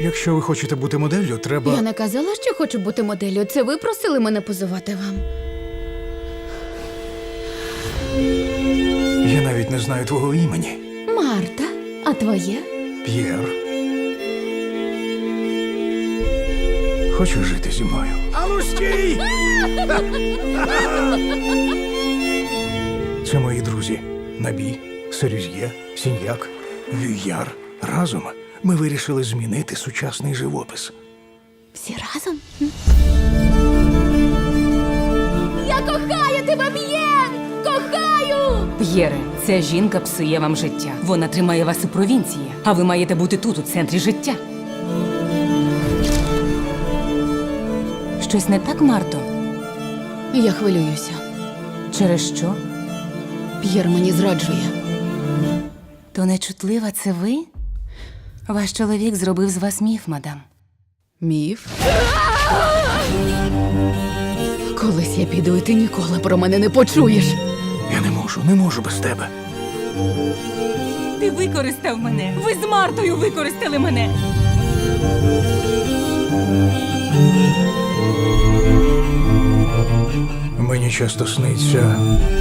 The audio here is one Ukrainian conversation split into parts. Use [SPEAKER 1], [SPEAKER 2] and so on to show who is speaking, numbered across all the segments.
[SPEAKER 1] Якщо ви хочете бути моделлю, треба...
[SPEAKER 2] Я не казала, що хочу бути моделлю. Це ви просили мене позувати вам.
[SPEAKER 1] Я навіть не знаю твого імені.
[SPEAKER 2] Марта, а твоє?
[SPEAKER 1] П'єр. Хочеш жити зі мною? Ану, стій! Це мої друзі. Набі, Серюз'є, Сіньяк, Вюяр. Разом ми вирішили змінити сучасний живопис.
[SPEAKER 2] Всі разом? Я кохаю тебе, П'єр! Кохаю!
[SPEAKER 3] П'єре, ця жінка псує вам життя. Вона тримає вас у провінції, а ви маєте бути тут, у центрі життя. Щось не так, Марто?
[SPEAKER 2] Я хвилююся.
[SPEAKER 3] Через що?
[SPEAKER 2] П'єр мені зраджує.
[SPEAKER 3] То нечутлива це ви? Ваш чоловік зробив з вас міф, мадам.
[SPEAKER 2] Міф? Колись я піду, і ти ніколи про мене не почуєш.
[SPEAKER 1] Я не можу без тебе.
[SPEAKER 3] Ти використав мене! Ви з Мартою використали мене!
[SPEAKER 1] Мені часто сниться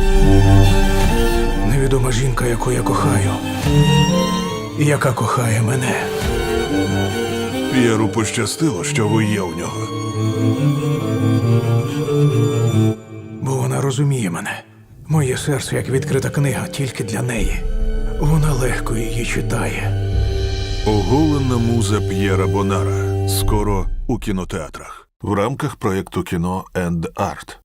[SPEAKER 1] невідома жінка, яку я кохаю, і яка кохає мене.
[SPEAKER 4] П'єру пощастило, що ви є у нього.
[SPEAKER 1] Бо вона розуміє мене. Моє серце, як відкрита книга, тільки для неї. Вона легко її читає.
[SPEAKER 4] Оголена муза П'єра Бонара. Скоро у кінотеатрах. В рамках проєкту «Кіно енд Арт».